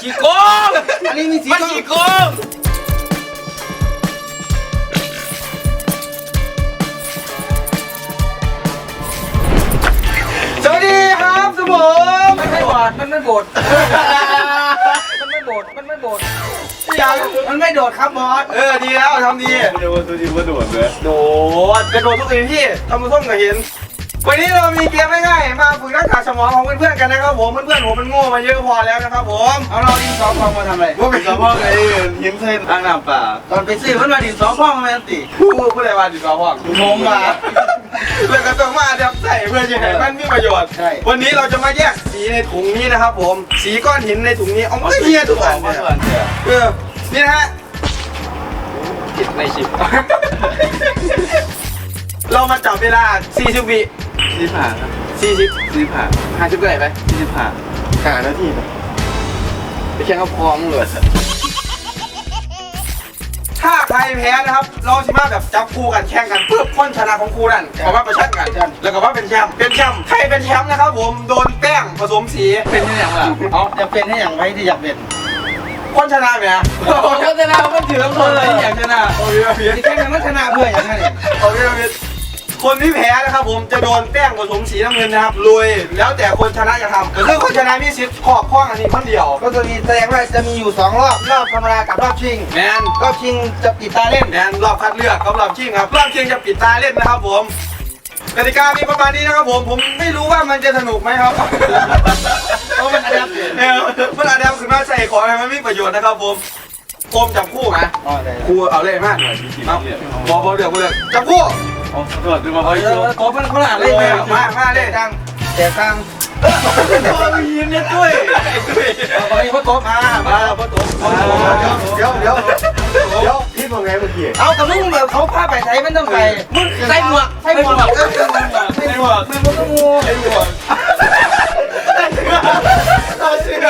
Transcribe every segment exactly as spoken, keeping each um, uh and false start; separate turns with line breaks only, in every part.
ขี้โกง
อันนี้มีสี
มันขี้โกง
สวัสดีครับสมองมันไม่บอดมันไม่บดมันไม่บดมันไม่บดยังมันไม่โดดครับบอส
เออดีแล้วทำดี
ไม่ได้ว่าตัวดีว่าโดดเลย
โดดกระโดดทุกทีที่ทำมือส้มก็เห็นวันนี้เรามีเกมง่ายๆมาฝึกทักษะสมองของเพื่อนๆกันนะครับผมเพื่อนๆผมมันโง่มาเยอะพอแล้วนะครับผม
เอาเราดินสอพองมาทำอะไร
ว่าเป็นสะโพกไอ้หินเส้นอ่างน้ำป่า
ตอนไปซื้อมันมาดินสอพองมาติ
ผู้ผู้ใดมาดีกว่าพ่อ
งงมา
เลยก็ต้องมาเดี๋ยวใส่เพื่อจะให้มันมีประโยชน์
ใช่
วันนี้เราจะมาแยกสีในถุงนี้นะครับผมสีก้อนหินในถุงนี้เอาไม่เฮียทุกอัน
มา
เนี่ย
ส่วนเดียว
เออนี่นะฮะ
คิดในชิป
เรามาจับเวลาสี่สิบวิ
สี่ผ่าครับ
สี่สิบ
สี่ผ่า
ห้าสิบเท่าไหร่ไป
สี่ผ่า
ห้านาทีไปไปแข่งกับพร้อมเลยถ้าใครแพ้นะครับ เราสิมาแบบจับคู่กันแข่งกันเพื่อพ้นชนะของคู่นั่นเอาว่าประชันกันแล้วก็ว่าเป็นแชมป์เป็นแชมป์ใครเป็นแชมป์นะครับผมโดนแป้งผสมสี
เป็นยังไงล่ะ
เอาจะเป็นให้อย่างไรที่อยากเป็น
พ้นชนะไหมฮะ
เขาชนะมันถือว่าคนเลยอยากชนะ
โอเคโอเค
ที่แข่งกันมันชนะเพื่ออย่างนั้น
โอเคโอเคคนที่แพ้นะครับผมจะโดนแป้งผสมสีน้ำเงินนะครับลุยแล้วแต่คนชนะจะทำก็คือคนชนะมีสิทธิ์ขอบข้องอันนี้คนเดียว
ก็จะมีแสดงว่าจะมีอยู่สองรอบรอบธรรมดากับรอบชิง
แมน
รอบชิงจะปิดตาเล่น
แมนรอบคัดเลือกกับรอบชิงครับรอบชิงจะปิดตาเล่นนะครับผมกติกามีประมาณนี้นะครับผมผมไม่รู้ว่ามันจะสนุกไหมครับเพราะมันอาดับเออมันอาดับขึ้นมาใส่ของให้มันมีประโยชน์นะครับผมโคมจับคู่ไหม
อ๋อได้
ครูเอาเลยมากเอาบอบอเดือดบอเดือดจับคู่
โอ้โดดดูมา
เอ
ไอ้
อ
ตัว
โต๊ะมันเขาหลา
เล
เลย ย
มามาเลยดัง
แต่กลาง
โอ้ยหินเนี่ยด้วย
เอาไปเพราะโต๊ะมา
มาเพราะตัว
เดี๋ยวเดี๋ยวเดี๋ยวพี่บอกไงเมื่อกี้
เอาแต่มึงแบบเขาพาไปใช้มันต้องใส่มึงใส่หมวกใส่หมวกใส่หมวกใส่หมวกมันมันก็งู
ไอ้หัวเอาเชือ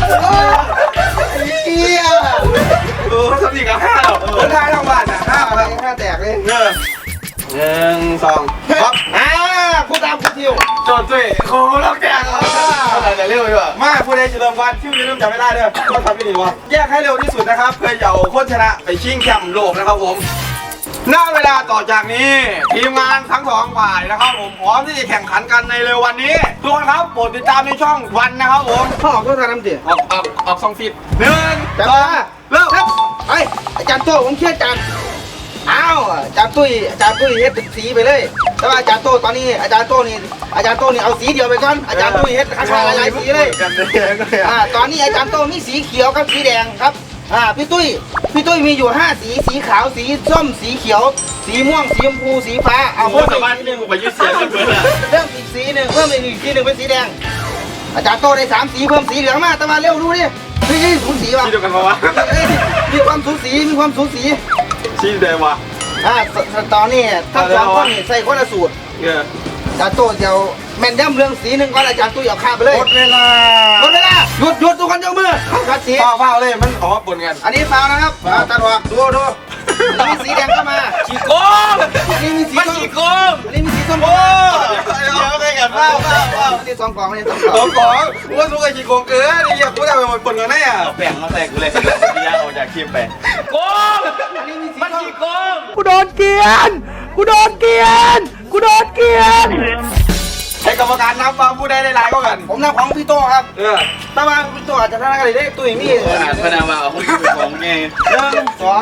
เอี้ย
เออสติกับห้าหรอคนไทยทั้งบ้านอ่ะห้า
ห้า
อะไร
ห้าแตกเลย
เออหนึ่งสองครับ
อ่ากูตามกูทิว
โจทย์ด้วยโค้งแล้วแกงอะไรจะเร็วดีกว่ามาผู้ใดจะเริ่มวันชื่อจะเริ่มจำไม่ได้เลยก็ทำไม่ดีวะแยกให้เร็วที่สุดนะครับเพื่อจะเอาคนชนะไปชิงแชมป์โลกนะครับผมหน้าเวลาต่อจากนี้ทีมงานทั้งสองฝ่ายนะครับผมพร้อมที่จะแข่งขันกันในเร็ววันนี้ทุกคนครับโปรดติดตามในช่องวันนะครับผม
พ่อออกก็ทำน้ำเสีย
ออกออกออกสองฟีดหนึ่ง
จับ
สอ
มาง
เริ่ม
ครับไปอาจารย์โต้ผมเครียดจังอ้าวอาจารย์ตุ้ยอาจารย์ตุ้ยเฮ็ดเป็นสีไปเลยแต่ว่าอาจารย์โต้ตอนนี้อาจารย์โต้นี่อาจารย์โต้นี่เอาสีเดียวไปก่อนอาจารย์ตุ้ยเฮ็ดข้างๆหลายๆสีเลย
กันเลย
อ่าตอนนี้อาจารย์โต้มีสีเขียวกับสีแดงครับอ่าพี่ตุ้ยพี่ตุ้ยมีอยู่ห้าสีสีขาวสีส้มสีเขียว สีม่วงสีชมพูสีฟ้าเอา
โอ้
เพิ่ม
ส
อีก
บาย
สีห
นี่
นึ่ง
กูไปยึดเสียงกันเพื่อนอะ
เพิ่มอีกสีหนึ่งเพิ่มอีกสีหนึ่งเป็นสีแดง อาจารย์โต้ได้สามสีเพิ่มสีเหลืองมาแต่มาเร็วดูดิเฮ้ยสูสีว่ะ
ที่เดียวกันปะวะ
เอ้ยมีความสูสีมีความสูสี
ชี้เดียววะ
อ่าสสตอนนี้ทั้งสองคนนี่ใส่คนละสูตร
เออ
อาจารย์โต้เดี๋ยวแม่นย่ำเรื่องสีหนึ่งก่อนอาจารย์ตุ้ยเอาข้ามไปเลย
หมดเวลา
หมดเวลาหยุดหยุดทุกคนยกมือเข้าคัดสี
เฝ้าเฝ้าเลยมันออกมาปนกัน
อันนี้ฟาวนะครับฟาวตัดออกดูดูอันนี้สีแดงเข้ามา
ขี้โกง
อันนี้มีสี
มัน
ส้ม
ขี้โกง
อันนี้มีสีส้ม
โอ้
เข้ามา
เดี๋ยวไปกันเฝ้าเฝ้าเฝ้า
อันนี้สองกล่องอันนี้สอง
ส
กล่
อ
อง ง
ของว่าสู้กับขี้โกงเกินไอ้เหี้ยกูทำไปหมดปนกันแน่อะ
เอาแป้งมาใส่กูเลยที่ย่างออกจากคลิปไป
โกง
อันนี้มีสี
มัน
ส้ม
ขี้โกง
กูโดนเกลียนกูโดนเกลียนกูโดนเกลียน
ให้กรรมการนับว่าผู้ใดได้หลายก็กัน
ผมนับของพี่โต้ครับ
เออ
ถ้ามาพี่โต้อาจจะทำอะไรได้ตุ้ยมี
ขนาดพนักว่าเอาหุ้นเป็นของไง
หนึ่งสอง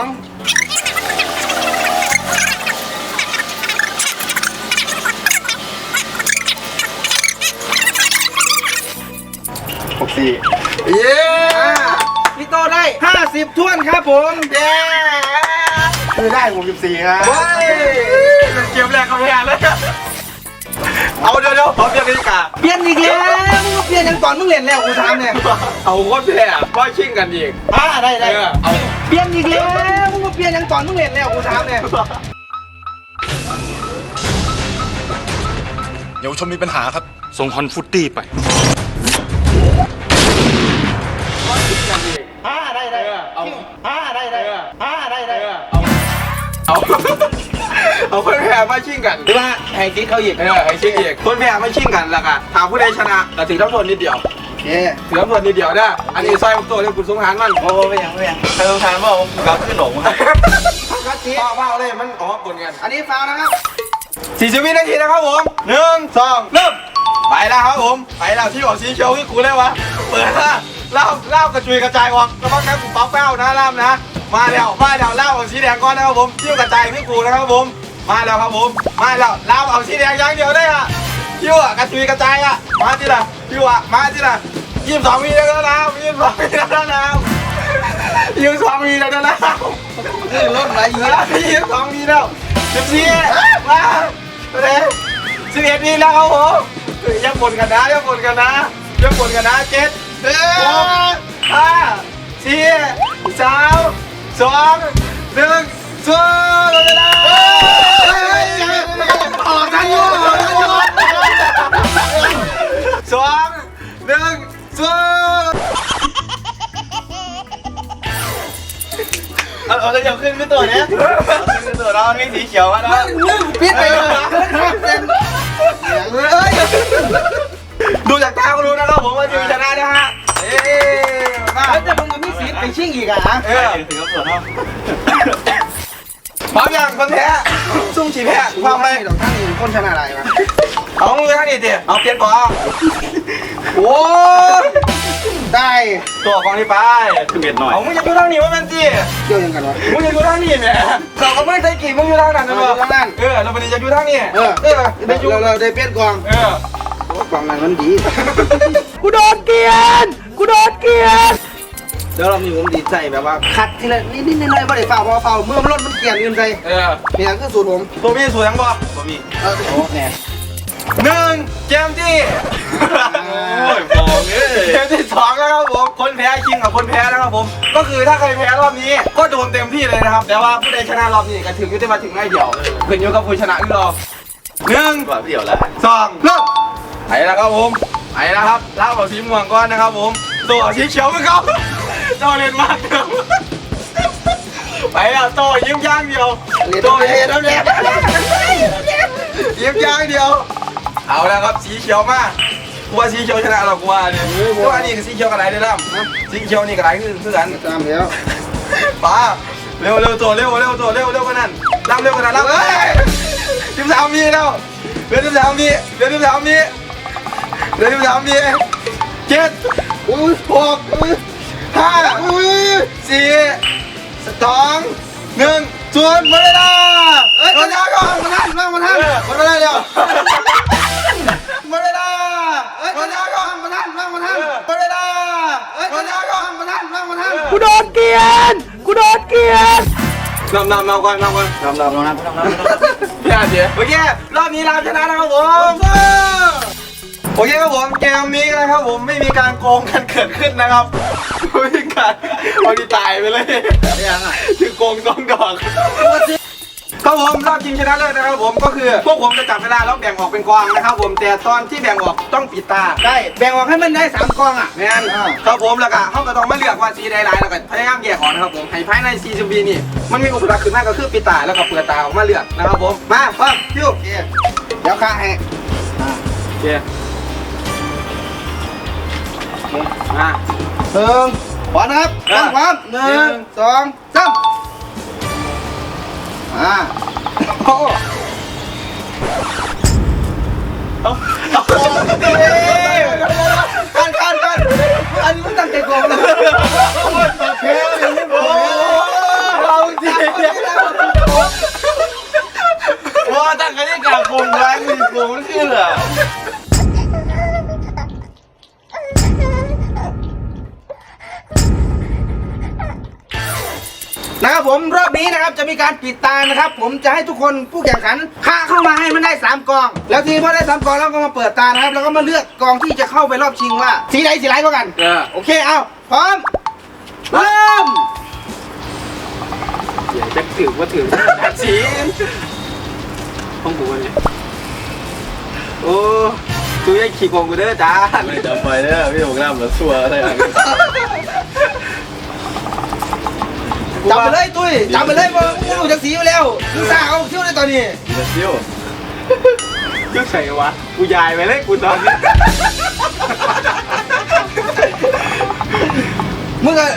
หกสี่
เย้
อ่าพี่โต้ได้ห้าสิบถ้วนครับผมเย้
คือได้หกสิบสี่ครับ
เฮ้ยเป็นเกมแรกเขาแพ้เลยเอาเดี๋ยวเดี๋ยวพร้อมยังดีกา
เปลี่ยนอีกแล้วมึงก็เปลี่ยนยังก่อนมึงเล่นแล้วกูถามเนี่ย
เอาคนแพ้ว่าชิงกันอีก
อ่าได้ได้
เออเอา
เปลี่ยนอีกแล้วมึงก็เปลี่ยนยังก่อนมึงเล่นแล้วกูถามเนี่ย
เยาวชนมีปัญหาครับ
ส่งฮอนฟุตตี้ไป
อ่าได้ได้
เอา
อ่าได้ได้อ่าได้ได้
เอา เอาคนแพ้มาชิงกัน
หรือว่าให้คิดเขาอีก
เออไอ้ชิงอีกคนแพ้มาชิงกันแล้วกันถามผู้ใดชนะแต่ถึงต้องโทษนิดเดียว
โอเคเย้
เสือส่วนนิดเดียวนะอันนี้ซอยตัวเรียกกุศลหารมัน
โอ้ไม่ยังไม่ยังใครต้องทานบ้างผมกลับขึ้นหลงครับ
คัดสี
พ่อเฝ้าเลยมันออกกลกัน
อันนี้ฟาวนะครับ
สี่สิบวินาทีนะครับผมหนึ่งสองเริ่มไปแล้วครับผมไปแล้วที่บอกสีเขียวคือกูเลยวะเปิดละเล่าเล่ากระจุยกระจายออกแล้วก็แค่กูป๊อปแป้วนะล่ามนะมาแล้วมาแล้วเล่าเอาสีแดงก่อนนะครับผมที่กระจายคือกูนะครับผมมาแล้วครับผมมาแล้วเล่าเอาสีแดงอย่างเดียวได้อะที่ว่ากระจุยกระจายอะมาที่ละที่ว่ามาที่ละยี่สิบสองวิแล้วนะยี่สิบสองวิแล้วนะยี่สิบสองวิแล้วนะ
นี่รถอะไรอยู่
ยี่สิบสองวิแล้วสิบสี่มาเลยสิบเอ็ดวิแล้วครับผมยังบ่นกันนะยังบ่นกันนะยังบ่นกันนะเจ็ดหกห้าสี่สามสองหนึ่งสู้เลยนะ
ออกทันอยู่ออกทันอยู่
สองหนึ่งสู้เอาเอาจะยกขึ้นขึ้นตัวเนี้ยขึ้นตัวเราไม่สีเขียวมาแล้ว
ปิดไปเลยเฮ้ย
ดูจากตาก็รู้นะครับผมว่าทีมชนะนะฮะเอ้มา
แล้วจะมึงกับพี่สีไปชิงอีกอ่ะ
เออ
ถึงกับปวดท้อง
พร้อมยังคนแพ้ซุ่มฉีแพ้พร้อมไหม
ดอกท่านนี่คนชนะอะไรวะ
เอามือข้างนี้ดิเอาเปลี่ยนก่อนโอ้ย
ได้
ตัวกองนี้ไป
คือเบ็ดหน่อย
เอามึงจะอยู่ทางนี้ว่าเป็นจี
เกี่ยวยังกันวะ
มึงจะอยู่ทางนี้เนี่ยเราก็ไม่ได้ใส่กี่มึงอยู่ทางนั้นนะ
อยู่ทางนั้น
เออเราเป็นจะอยู่ทางนี้
เออ
เออ
เดี๋
ได้อยู่
ยวเราได้เปลี่ยนกอง
เออก
องนั้นมันดี
กูโดนเกลียน กูโดนเกลียน
เดี๋ยวเรามีผมดีใจแบบว่าขัดทีละนิดนิดหน่อยๆไม่ได้ฝ่าพอเฝ้าเมื่อมันรถมันเกลี่ยนยืนใจ
เออ
เนี่ยคือสูตรผม
ตัวพี่สวยยังบ่
บะหมี่
เออโอ้แน่
หนึ่งเกมที่
โอ้ยฟองเอ้ย
เกมที่สองแล้วครับผม คนแพ้คิงกับคนแพ้นะครับผม ก็คือถ้าใครแพ้รอบนี้ ก็โดนเต็มที่เลยนะครับ แต่ว่าผู้ใดชนะรอบนี้ก็ถึงยุติมาถึงง่ายเดียวขึ้นอยู่กับผู้ชนะอีกรอบหนึ่ง
กว่าเดี่ยวแล้ว
สองเริ่มไปแล้วครับผมไปแล้วครับเล่าเอาสีม่วงก่อนนะครับผมตัวสีเขียวเหมือนเขาโตเล่นมากเดิมไปแล้วโตยิ้มย่างเดียวโตเล่นแล้วเนี่ยยิ้มย่างเดียว เอาแล้วครับสีเขียวมากกูว่าสีเขียวชนะเรากูว่าเนี่ยกูว่านี่คือสีเขียวกับไหนได้ล่ำสีเขียวนี่กับไหนคือคือกัน
ตามแล้ว
ป้าเร็วเร็วตัวเร็วเร็วตัวเร็วเร็วกว่านั้นล่ำเร็วกว่านั้นล่ำเฮ้ยสิบสามมีแล้วเดือนสิบสามมีเดือนสิบสามมีเดือนสิบสามมีเจ็ด
อุ้ย
หกห้าสี่สองหนึ่งศูนย์หมดเวลา
เอ้ย
หมดเวลาก่อน
มาท่านมาท่าน
หมดเวลาเดียวหมดเวลา
เอ้ย
หมดเวลาก่อน
มาท่านมาท่าน
หมดเวลา
เอ้ย
หมดเวลาก่อน
มาท่านมาท่าน
กูโดนเกลียน กูโดนเกลียน
นำนำนำก่อนนำก่อน
ลองลองลองนะลองนะ
พี่อาเสียโอเครอบนี้เราชนะนะครับผม โอเคครับผมเกมนี้นะครับผมไม่มีการโกงกันเกิดขึ้นนะครับไม่มีการเอาดีตายไปเลย
ยังอ่ะ
คือโกงสองดอกครับผมรอบชิงชนะเลิศนะครับผมก็คือพวกผมจะจับเวลาแล้วแบ่งออกเป็นกองนะครับผมแต่ตอนที่แบ่งออกต้องปิดตา
ได้แบ่งออกให้มันได้สามกองอ่ะ
แม่นครับผมแล้วก็เขาก็ต้องมาเลือกว่าสีใดหลายแล้วก็พยายามแยกออกนะครับผมให้ภายในสี่สิบวินี่มันมีอุปสรรคขึ้นมากก็คือปิดตาแล้วก็เปิดตาออกมาเลือกนะครับผมมาพร้อมคิว
โอเคเดี๋ยวข้าให้
โอเคมา
หนึ่งพร้อมนะครับต้องพร้อมหนึ่งสองสามอ่า
โอ้เอาเอากันกันกัน
อันนี้มันตั้งใจโกงเลย
เฮ้ยโอ้เราจริงว่าตั้งกันที่กลางโกงร้ายมีโกงไม่ขึ้นเหรอ
นะครับผมรอบนี้นะครับจะมีการปิดตานะครับ ผมจะให้ทุกคนผู้แข่งขันฆ่าเข้ามาให้มันได้สามกอง แล้วทีนี้พอได้สามกองแล้วก็มาเปิดตานะครับแล้วก็มาเลือกกองที่จะเข้าไปรอบชิงว่าสีใดสีไรกว่ากัน
เออ
โอเคเอาพร้อมเริ่ม
เดี๋ยวจะถือว่าถือตัดสีของกูเนี่ยโอ้ตูยังขี่โกงกูเด้อจ้า
ไม่จะไปเด้อพี่ผมน้ำแล้วชัวร์อะไรอย่างเงี้ย
จับไปเลยตุ้ยจับไปเลยมึงมึงรู้จักสีไปแล้วมึงสร้างเอาคิ้วในตอนนี้
เดี๋ยวซิ่ว
ชื่อใส่วะกูยายไปเลยกูตอนนี้
มึงอะ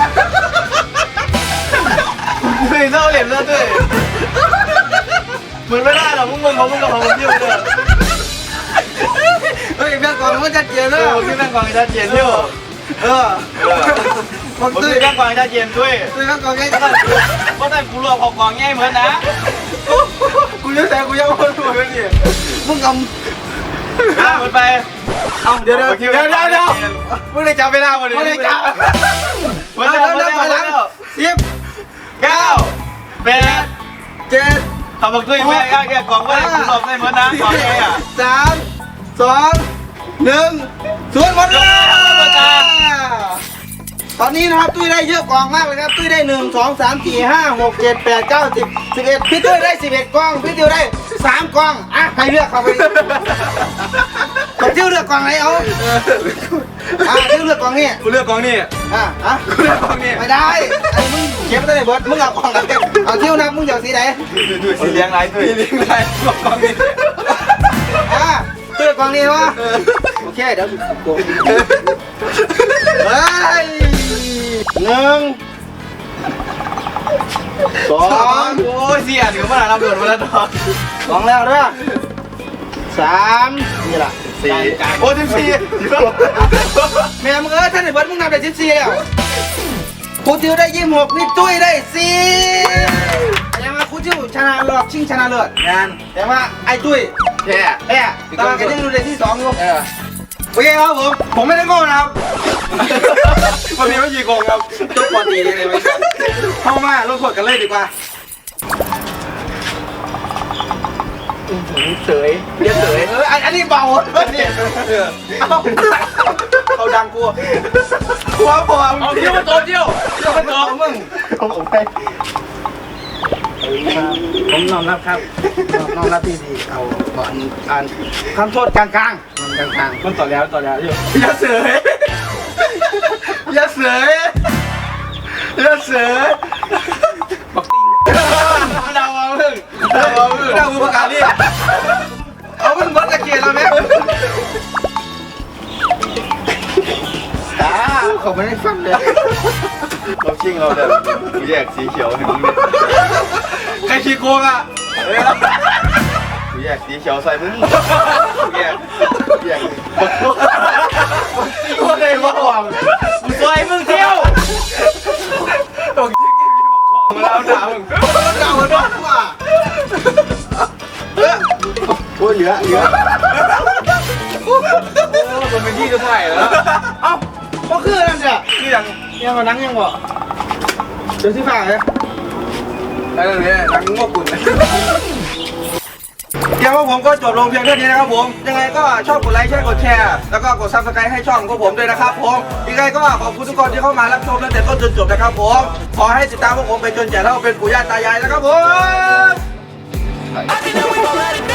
มึงเศร้าเหลี่ยมเศร้าด้วยมึงไม่ได้หรอกมึงมึงของมึงกับของมึงที่มึงเด้อ
เฮ้ยแม่ก่อนมันชัดเจน
เอ
นะ
อพี่แม่งกองชัดเจนอยู่
เออ
ผมตื้อแม่งกองชัดเจนด้วย
ตุ้ยแม่ก่อนไง
เพราะแต่เพราะแต่กูรวมของกองง่ายเหมือนนะกูยังแต่กูยังไม่รู้เลยนี่
มึงก
อ้าวไปเอาเดี๋ยวเดี๋ยวเดี๋ยวเดี๋ยวเดี๋ยวมึงได้จับเวลาวัน
ำ
นี้
ไม่ได้จับ
วัน
เอา
นี้
เดี๋ยว
วัน
เดี๋ยว
นี้
ก่อนหลังสิบ
เก้าแปด
เจ็ด
ทำบักตุ้ยแม่แกกองว่ากูรอบได้เหมือนนะกองไงอ่ะ
สามสองหนึ่งศูนย์หมดเวลาตอนนี้นะครับตุ้ยได้เยอะกล่องมากเลยครับตุ้ยได้หนึ่งสองสามสี่ห้าหกเจ็ดแปดเก้าสิบสิบเอ็ดพี่ตุ้ยได้สิบเอ็ดกล่องพี่ติวได้สามกล่องอ่ะให้เลือกเข้าไปพี่ติวเลือกกล่องไหนเอาอ่ะติวเลือกกล่องนี้
กูเลือกกองนี่
อ่ะอ่ะ
กูเลือกกองนี่
ไม่ได้ไอ้มึงเก็บไม่ได้เบิร์ดมึงเอากล่องไหนเอาติวนับมึงจะเอาสีไหน
สีเลี้ยงไรตุ้ยสีเลี้ยงไรกองนี่
อ่ะติวเลือกกล่องนี้วะโอเคเดี๋ยวโกงเฮ้ยหนึ่งสอง
โอ้ยเสียถึงขนาดรับเดือดมาแล้วดอก
สองแล้วเด้อสามนี่ล่ะ
สี่โอ้สิบสี่
แม่มึงเอ้ยท่านไอ้เบิร์ดมึงนับได้สิบสี่แล้วครูติวได้ยี่สิบหกนี่ตุ้ยได้สี่แต่ว่าครูติวชนะรอบชิงชนะเลิศ
งาน
แต่ว่าไอ้ตุ้ย
แค่
แพ้แต่ว่าก็ยังดูได้ที่สองอยู่
เออ
โอเคครับผมผมไม่ได้โง่นะครับ
วันนี้ไม่ยีโกงครับ
จบปอตีเลยไหม
เข้ามาลงขวดกันเลยดีกว่า
เสยเรียกเสยเอออันนี้เบาเนี่ย
เขาดังกูหัวพอเอาเที่ยวมาโตเที่ยวเที่ยวมาโตมึง
ผมไปผมน้อมรับครับน้อมรับที่ดีเอาก่อนการทำโทษกลางกลางกลางกลาง
มันต่อแล้วต่อแล้วอยู่อย่าเสยอย่าเสยอย่าเสยบักติงดาวเอามึงดาวเอามึงดาวมึงประกาศนี่เอามึงบดตะเกียบแล้วไหม
ตาเขาไม่ได้ฟังเลย
เราชิงเราเดี๋ยวกูแยกสีเขียวให้มึงเนี่ยใครขี้โกงอ่ะกูแยกสีเขียวใส่มึงแยกแยกกูได้มาหวังกูซอยมึงเที่ยวบอกทิ้งที่มีบอกของมาแล้วด่ามึง
เก่าโดนกว่า
โอ้ยเหลือเหลือ
โอ้มันเป็นที่จะถ่ายแล้ว
เอ้าก็คือนั่นเนี่ย
คือยัง
ยังมานั่งยังบ่เดี๋ยวที่ฝ่าเลย
อะไรเนี่ยนังงอกกุ่นเดี๋ยวผมก็จบลงเพียงเท่านี้นะครับผมยังไงก็ชอบกดไลค์ใช่กดแชร์แล้วก็กดซับสไครต์ให้ช่องของผมด้วยนะครับผมยังไงก็ขอบคุณทุกคนที่เข้ามารับชมตั้งแต่ต้นจนจบนะครับผมขอให้ติดตามพวกผมไปจนแก่เท่าเป็นปู่ย่าตายายนะครับผม
I think that we gon' let it